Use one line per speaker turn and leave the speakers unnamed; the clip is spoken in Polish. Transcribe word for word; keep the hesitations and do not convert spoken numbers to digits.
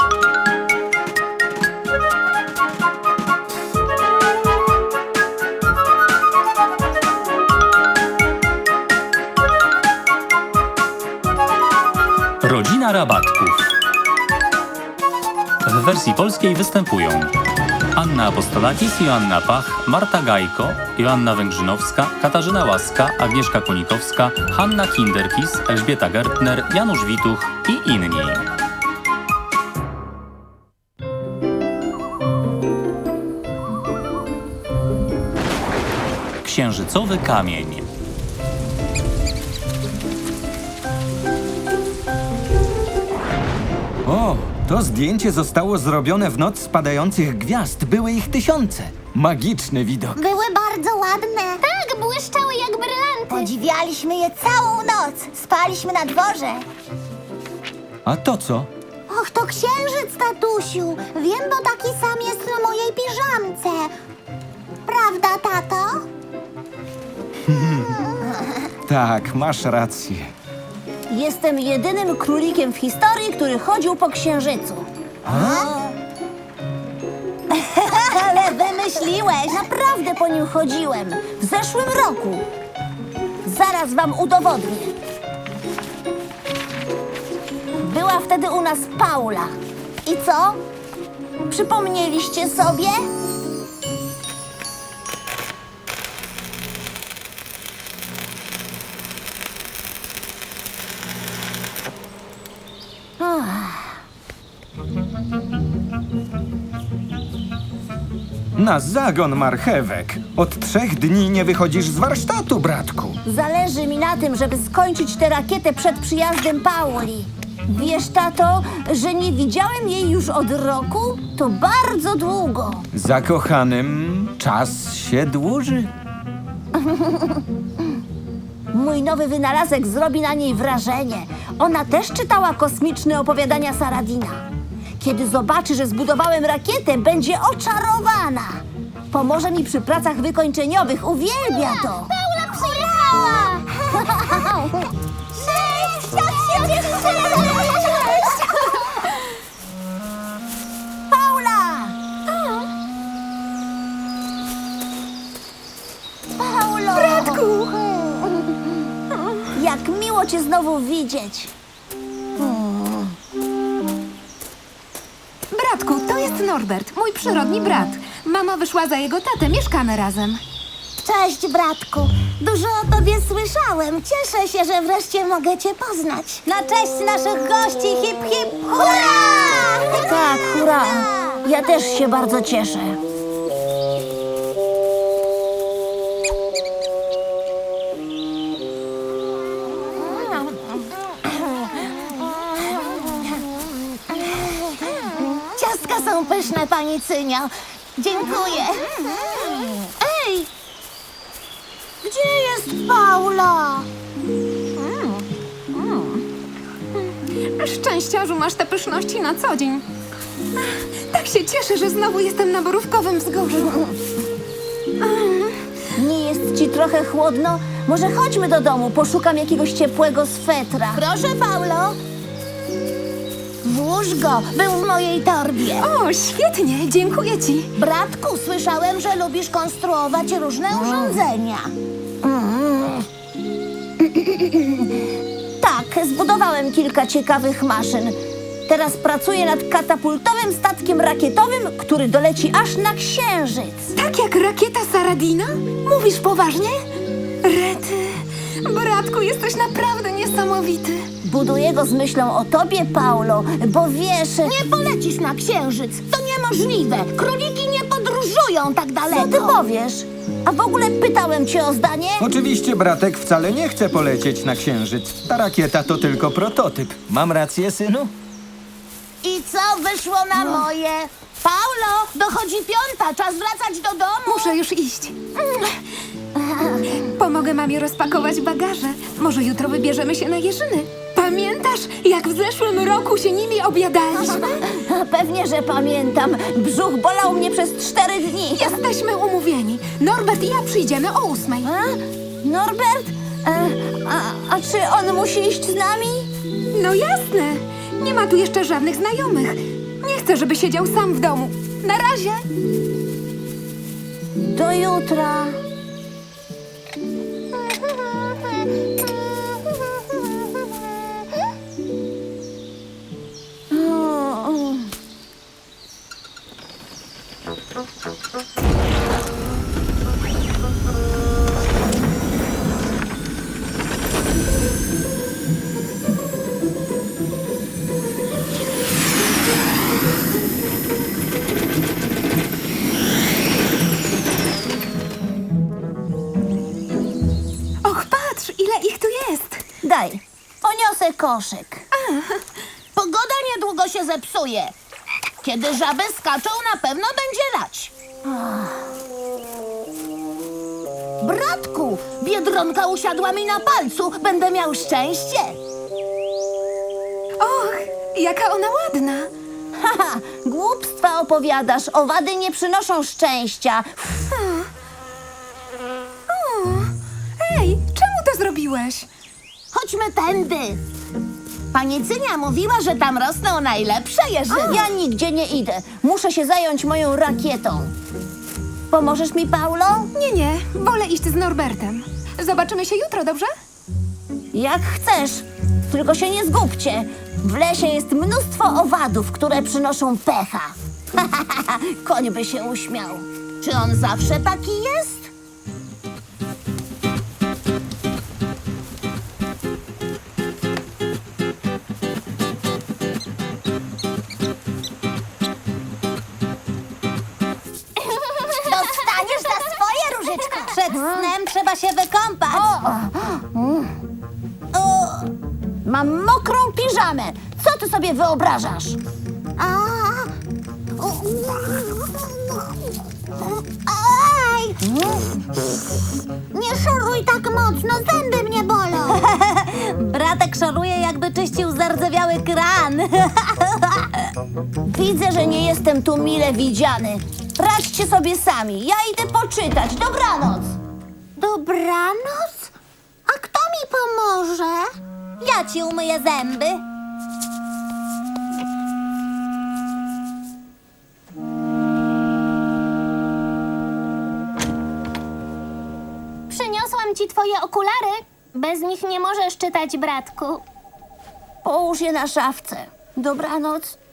Rodzina Rabatków. W wersji polskiej występują Anna Apostolakis, Joanna Pach, Marta Gajko, Joanna Węgrzynowska, Katarzyna Łaska, Agnieszka Konikowska, Hanna Kinderkis, Elżbieta Gertner, Janusz Wituch i inni. Księżycowy kamień.
O, to zdjęcie zostało zrobione w noc spadających gwiazd. Były ich tysiące. Magiczny widok.
Były bardzo ładne. Tak, błyszczały jak brylanty. Podziwialiśmy je całą noc. Spaliśmy na dworze.
A to co?
Och, to księżyc, tatusiu. Wiem, bo taki sam jest na mojej piżamce. Prawda, tato?
Tak, masz rację.
Jestem jedynym królikiem w historii, który chodził po księżycu. Ale wymyśliłeś! Naprawdę po nim chodziłem. W zeszłym roku. Zaraz wam udowodnię. Była wtedy u nas Paula. I co? Przypomnieliście sobie?
Na zagon marchewek. Od trzech dni nie wychodzisz z warsztatu, bratku.
Zależy mi na tym, żeby skończyć tę rakietę przed przyjazdem Pauli. Wiesz, tato, że nie widziałem jej już od roku? To bardzo długo.
Zakochanym czas się dłuży.
Mój nowy wynalazek zrobi na niej wrażenie. Ona też czytała kosmiczne opowiadania Saradina. Kiedy zobaczy, że zbudowałem rakietę, będzie oczarowana. Pomoże mi przy pracach wykończeniowych. Uwielbia to.
Paula przyjechała! Cześć! Jak się cieszymy!
Paula! Paulo!
Bratku!
Jak miło cię znowu widzieć.
Bratku, to jest Norbert, mój przyrodni brat. Mama wyszła za jego tatę, mieszkamy razem.
Cześć, bratku. Dużo o tobie słyszałem. Cieszę się, że wreszcie mogę cię poznać. Na cześć naszych gości, hip, hip, hurra!
Tak, hurra. Ja też się bardzo cieszę.
Ciastka są pyszne, pani Cynio. Dziękuję. Ej! Gdzie jest Paula?
Szczęściarzu, masz te pyszności na co dzień. Tak się cieszę, że znowu jestem na Borówkowym Wzgórzu.
Nie jest ci trochę chłodno? Może chodźmy do domu, poszukam jakiegoś ciepłego swetra.
Proszę, Paulo. Włóż go, był w mojej torbie.
O, świetnie, dziękuję ci.
Bratku, słyszałem, że lubisz konstruować różne urządzenia.
Tak, zbudowałem kilka ciekawych maszyn. Teraz pracuję nad katapultowym statkiem rakietowym, który doleci aż na Księżyc.
Tak jak rakieta Saradina? Mówisz poważnie? Rety, bratku, jesteś naprawdę niesamowity.
Buduję go z myślą o tobie, Paulo, bo wiesz...
Nie polecisz na Księżyc. To niemożliwe. Króliki nie podróżują tak daleko.
Co ty powiesz? A w ogóle pytałem cię o zdanie?
Oczywiście bratek wcale nie chce polecieć na księżyc. Ta rakieta to tylko prototyp. Mam rację, synu?
I co wyszło na moje? Paulo, dochodzi piąta. Czas wracać do domu.
Muszę już iść. Pomogę mamie rozpakować bagaże. Może jutro wybierzemy się na jeżyny. Pamiętasz, jak w zeszłym roku się nimi obiadaliśmy?
Pewnie, że pamiętam. Brzuch bolał mnie przez cztery dni.
Jesteśmy umówieni. Norbert i ja przyjdziemy o ósmej.
A? Norbert? E, a, a czy on musi iść z nami?
No jasne. Nie ma tu jeszcze żadnych znajomych. Nie chcę, żeby siedział sam w domu. Na razie.
Do jutra.
Och, patrz, ile ich tu jest.
Daj, poniosę koszyk.
Pogoda niedługo się zepsuje. Kiedy żaby skaczą, na pewno będzie lać. Bratku, Biedronka usiadła mi na palcu. Będę miał szczęście.
Och, jaka ona ładna.
Haha, głupstwa opowiadasz. Owady nie przynoszą szczęścia.
O, ej, czemu to zrobiłeś?
Chodźmy tędy. Pani Cynia mówiła, że tam rosną najlepsze jeżyny.
Ja nigdzie nie idę. Muszę się zająć moją rakietą. Pomożesz mi, Paulo?
Nie, nie, wolę iść z Norbertem. Zobaczymy się jutro, dobrze?
Jak chcesz. Tylko się nie zgubcie. W lesie jest mnóstwo owadów, które przynoszą pecha. Koń by się uśmiał.
Czy on zawsze taki jest? Dostaniesz za swoje, Różyczko. Przed snem trzeba się wykąpać.
Mam mokrą piżamę. Co ty sobie wyobrażasz?
Aj! Nie szoruj tak mocno, zęby mnie bolą. Bratek szoruje, jakby czyścił zardzewiały kran.
Widzę, że nie jestem tu mile widziany. Radźcie sobie sami. Ja idę poczytać. Dobranoc.
Dobranoc? A kto mi pomoże? Ja ci umyję zęby.
Przyniosłam ci twoje okulary. Bez nich nie możesz czytać, bratku.
Połóż je na szafce. Dobranoc.